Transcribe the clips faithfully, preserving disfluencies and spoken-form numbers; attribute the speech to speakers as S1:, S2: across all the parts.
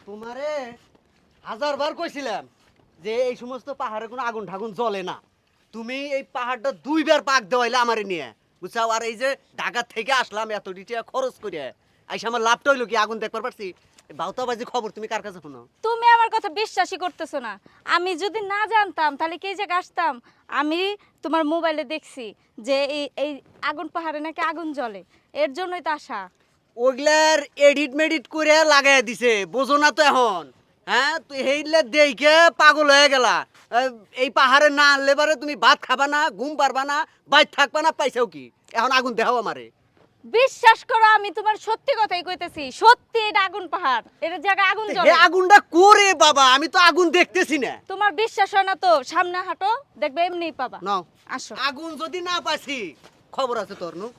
S1: তোমারে হাজারবার কইছিলাম যে এই সমস্ত পাহাড়ে কোনো আগুন ঠাগুন জ্বলে না। তুমি এই পাহাড়টা দুইবার পাক দেওয়াইলে আমারে নিয়ে বুঝছাও। আর এই যে ঢাকা থেকে আসলাম এত টাকা খরচ করে, আইসা আমার লাভটা হইলো কি আগুন দেখবার পারছি। বাউতাবাজি খবর তুমি কার কাছে শোনো?
S2: তুমি আমার কথা বিশ্বাসই করতেছো না। আমি যদি না জানতাম তাহলে কি যে আসতাম? আমি তোমার মোবাইলে দেখছি যে এই এই আগুন পাহাড়ে নাকি আগুন জ্বলে, এর জন্যই তো আসা।
S1: ওগুলার এডিট মেডিট করে লাগাই দিছে, বোঝো না তো এখন? হ্যাঁ, তুই হেইলে দেখে পাগল হয়ে গেলা। এই পাহাড়ে না আনলে পারে তুমি ভাত খাবা না, ঘুম পারবা না, বাইর থাকবা না, পাইছাও কি? এখন আগুন দেখাও আমারে।
S2: বিশ্বাস করো, আমি তোমার সত্যি কথাই কইতেছি। সত্যি এটা আগুন পাহাড়, এর জায়গায় আগুন জ্বলে।
S1: এই আগুনটা করে বাবা, আমি তো আগুন দেখতেছি না।
S2: তোমার বিশ্বাস হয় না তো সামনে হাঁটো, দেখবে এমনিই পাবা।
S1: নাও
S2: আসো।
S1: আগুন যদি না পাইছি খবর আছে তোর নু।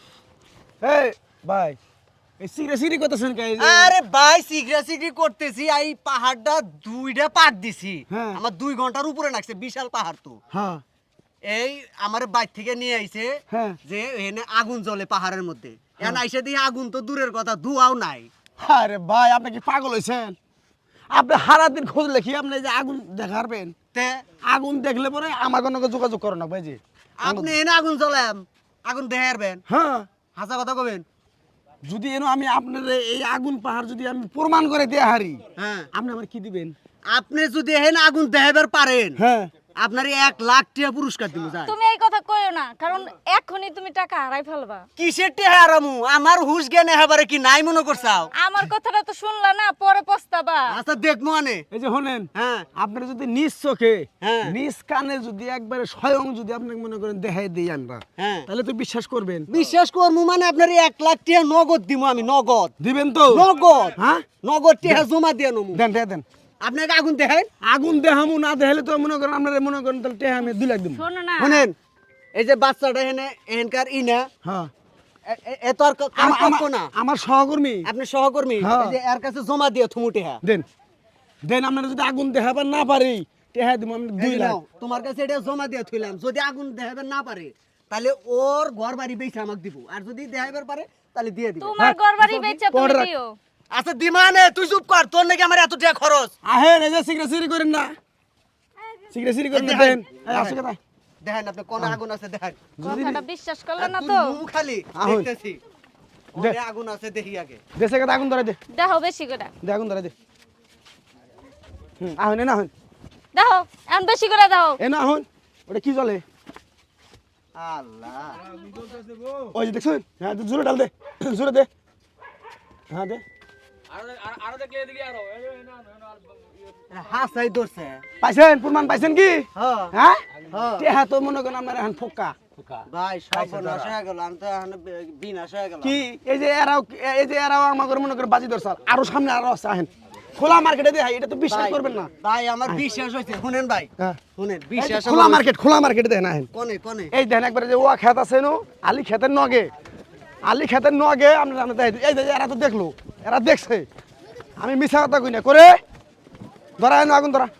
S3: এই ভাই এই সিগরে সিগরি করতেছেন কে?
S1: আরে ভাই সিগরা সিগরি করতেছি, এই পাহাড়টা দুইটা পাক দিছি।
S3: হ্যাঁ।
S1: আমার দুই ঘন্টার উপরে লাগছে, বিশাল পাহাড় তো।
S3: হ্যাঁ
S1: এই আমার বাইর থেকে নিয়ে আইছে
S3: হ্যাঁ।
S1: যে এখানে আগুন জ্বলে পাহাড়ের মধ্যে। এখন আইসা দিয়ে আগুন তো দূরের কথা, ধোঁয়াও নাই।
S3: আরে ভাই আপনি কি পাগল হইছেন? আপনি সারা দিন খুঁজলে কি আপনি যে আগুন দেখাবেন?
S1: তে
S3: আগুন দেখলে পরে আমার কোনো যোগাযোগ করো না ভাই জি।
S1: আপনি এনে আগুন জ্বলাম, আগুন দেখে আসবেন,
S3: হ্যাঁ,
S1: হাসা কথা কবেন।
S3: যদি এনো আমি আপনার এই আগুন পাহাড় যদি আমি প্রমাণ করে দিয়ে হারি,
S1: হ্যাঁ,
S3: আপনি আমার কি দিবেন?
S1: আপনি যদি এখানে আগুন দেখাবার পারেন,
S3: হ্যাঁ
S1: আপনার এক লাখ টাকা পুরস্কার দিব। যায়
S2: তুমি এই কথা কইও না, কারণ এখনই তুমি টাকা হারাই ফেলবা।
S1: কিসের টেহা আরামু? আমার হুশ জ্ঞান এবারে কি নাই মনে করছাও?
S2: আমার কথাটা তো শুনলা না, পরে পস্তাবা।
S1: আচ্ছা দেখবো আনে।
S3: এই যে শোনেন,
S1: হ্যাঁ
S3: আপনার যদি নিজ চোখে
S1: হ্যাঁ।
S3: নিজ কানে যদি একবারে স্বয়ং যদি আপনাকে মনে করেন দেখাই দিই আমরা,
S1: হ্যাঁ,
S3: তাহলে তো বিশ্বাস করবেন।
S1: বিশ্বাস করবো মানে আপনার এক লাখ টাকা নগদ দিব আমি, নগদ
S3: দিবেন তো?
S1: নগদ
S3: হ্যাঁ
S1: নগদ টাকা জমা দিয়ে নমু।
S3: দেন দেন দেন।
S1: আপনাকে আগুন দেখাই।
S3: আগুন দেখামু না দেখালে তো মনে করেন আপনারা মনে করেন তাহলে টেহা আমি দুই লাখ দিব।
S2: শোনো না,
S1: শুনেন, এই যে বাচ্চাটা এখানে এখানকার ই না,
S3: হ্যাঁ
S1: এ- এ- এত আর ক- কাম
S3: আমা-
S1: করবো
S3: আমা-
S1: না।
S3: আমার সহকর্মী
S1: আপনি সহকর্মী,
S3: হ্যাঁ।
S1: এই যে এর কাছে জমা দিয়ে থুমু টেহা।
S3: দেন দেন। আপনারা যদি আগুন দেখাবার না পারি টেহা দিব আমি
S1: এই
S3: দুই
S1: যে
S3: লাখ।
S1: নাও, তোমার কাছে এটা জমা দিয়ে থইলাম। যদি আগুন দেখাবার না পারে তাহলে ওর ঘর বাড়ি বেচে আমাকে দিব, আর যদি দেখাবার পারে তাহলে দিয়ে দিব।
S2: তোমার ঘরবাড়ি বেচা তুমি
S3: পরে রাখ।
S2: দিও।
S1: আচ্ছা দিমানে তুই চুপ কর, তোর নাকি আমার এত টাকা খরচ।
S3: আহেন এই যে সিগরে সিগরি করেন না, সিগরে সিগরি করেন না।
S1: দেখাই,
S3: দেন এই আসো কথা।
S1: দেখেন আপনি কোন আগুন আছে দেখেন।
S2: কথাটা বিশ্বাস করলে না
S1: আর
S2: তো?
S1: তুই মুখ খালি
S3: আহুন।
S1: দেখতেছি,
S3: দে।
S1: ওরে আগুন আছে দেখি আগে।
S3: দেশে কথা আগুন ধরে দে,
S2: দেখো বেশি করে,
S3: দে আগুন ধরে দে। হুম আহেন না আহেন
S2: দেখো এখন বেশি করে দাও।
S3: এ না আহেন। ওটা কি চলে?
S1: আল্লাহ,
S3: ওই যে দেখছেন? হ্যাঁ জোরে ডাল দে, জোরে দে। হ্যাঁ দে।
S1: হাসাই ধরছে।
S3: পাইছেন প্রমাণ পাইছেন কি?
S1: হ্যাঁ
S3: হ্যাঁ
S1: হ্যাঁ।
S3: টেহা তো মনে করেন আপনার এখন ফোকা।
S1: ভাই সর্বনাশ হয়ে গেল, আমি তো এখন বিনাশ হয়ে গেল।
S3: কি এই যে এরাও এই যে এরাও আমাকে মনে করে বাজি ধরছাল, আরো সামনে আরো আছে আহেন। খোলা মার্কেটে দেখাই, এটা তো বিশ্বাস করবেন না।
S1: ভাই আমার বিশ্বাস হয়েছে। শুনেন ভাই,
S3: হ্যাঁ
S1: শুনেন
S3: এই যে
S1: বিশ্বাস
S3: খোলা মার্কেট, খোলা মার্কেটে দেখেন আহেন।
S1: কোনে কোনে
S3: এই দেখেন একবারে যে ওয়া খেত আছে নো, আলি খেতের নগে, আলি খেতের নগে আমরা জানা দেখাই। এই যে এরা তো দেখলো, এরা দেখছে, আমি মিছা কথা কই না করে। ধরা এনো আগুন ধরা।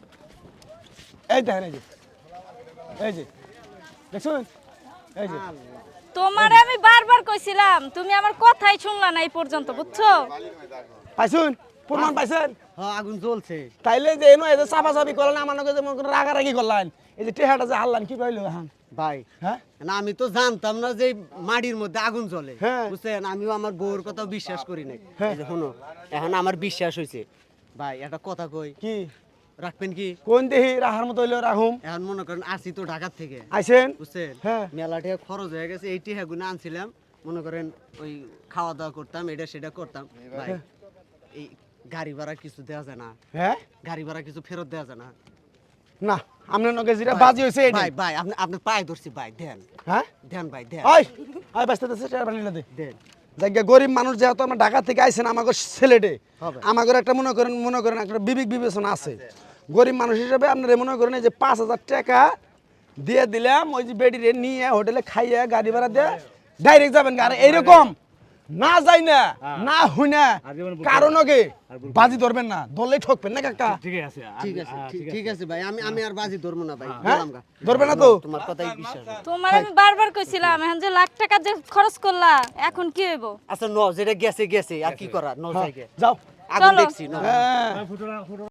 S3: এই দেখেন এই যে এই যে দেখছেন? এই যে
S2: তোমারে আমি বারবার কইছিলাম, তুমি আমার কথাই শুনলা না এই পর্যন্ত, বুঝছো?
S3: পাইছুন প্রমাণ পাইছেন?
S1: হ্যাঁ আগুন জ্বলছে।
S3: তাইলে যে এনো এই যে চাপা চাপি করলেন আমার নগে, যে মনে করেন রাগারাগি করলেন, এই যে টেহাটা যে হারলান কি পাইলো এখন?
S1: ভাই
S3: হ্যাঁ
S1: না আমি তো জানতাম না যে এই মাটির মধ্যে আগুন জ্বলে।
S3: হ্যাঁ।
S1: বুঝছেন, আমিও আমার বউর কথা বিশ্বাস করি নাই।
S3: হ্যাঁ।
S1: এই যে শোনো, এখন আমার বিশ্বাস হয়েছে। ভাই একটা কথা কই,
S3: কি
S1: রাখবেন কি?
S3: কোন দেহি রাহার মতো হইলো রাহুম।
S1: এখন মনে করেন আসি তো ঢাকার থেকে,
S3: আইছেন?
S1: বুঝছেন,
S3: হ্যাঁ।
S1: মেলা টাকা খরচ হয়ে গেছে। এই টিহা গুলো আনছিলাম, মনে করেন ওই খাওয়া দাওয়া করতাম, এটা সেটা করতাম। ভাই এই গাড়ি ভাড়া কিছু দেওয়া যায় না,
S3: হ্যাঁ
S1: গাড়ি ভাড়া কিছু ফেরত দেওয়া যায় না।
S3: না আপনার নগে যেটা বাজি হয়েছে এইটা।
S1: ভাই ভাই আপনি আপনি পায়ে ধরছি ভাই, দেন
S3: হ্যাঁ
S1: দেন ভাই দেন
S3: ওই ওই বাস্তা দেশে টাকা বানিয়ে দে।
S1: দেন।
S3: জায়গা গরিব মানুষ যেহেতু আমরা ঢাকা থেকে আইছেন, আমাকে ছেলেটে
S1: হবে।
S3: আমাকে একটা মনে করেন মনে করেন একটা বিবেক বিবেচনা আছে। গরিব মানুষ হিসেবে আপনারা মনে করেন এই যে পাঁচ হাজার টাকা দিয়ে দিলাম, ওই যে বেডিরে নিয়ে হোটেলে খাইয়ে গাড়ি ভাড়া দিয়ে ডাইরেক্ট যাবেন। আর এইরকম না যাই না না হুই না কারণ ওকে বাজি ধরবেন না, ধরলেই ঠকবেন না কাকা।
S1: ঠিক আছে ঠিক- ঠিক আছে ভাই, আমি আমি আর বাজি ধরবো না ভাই,
S3: হ্যাঁ
S1: গেলাম গা।
S3: ধরবেন না তো?
S1: তোমার কথাই বিশ্বাস হয়।
S2: তোমার আমি বারবার কইছিলাম, এখন যে লাখ টাকা যে খরচ করলা, এখন কি হইব?
S1: আচ্ছা ন যেটা গেছে গেছে, আর কি করার ন জায়গায়।
S3: যাও
S1: আগুন
S2: চলো।
S1: দেখছি না
S3: হ্যাঁ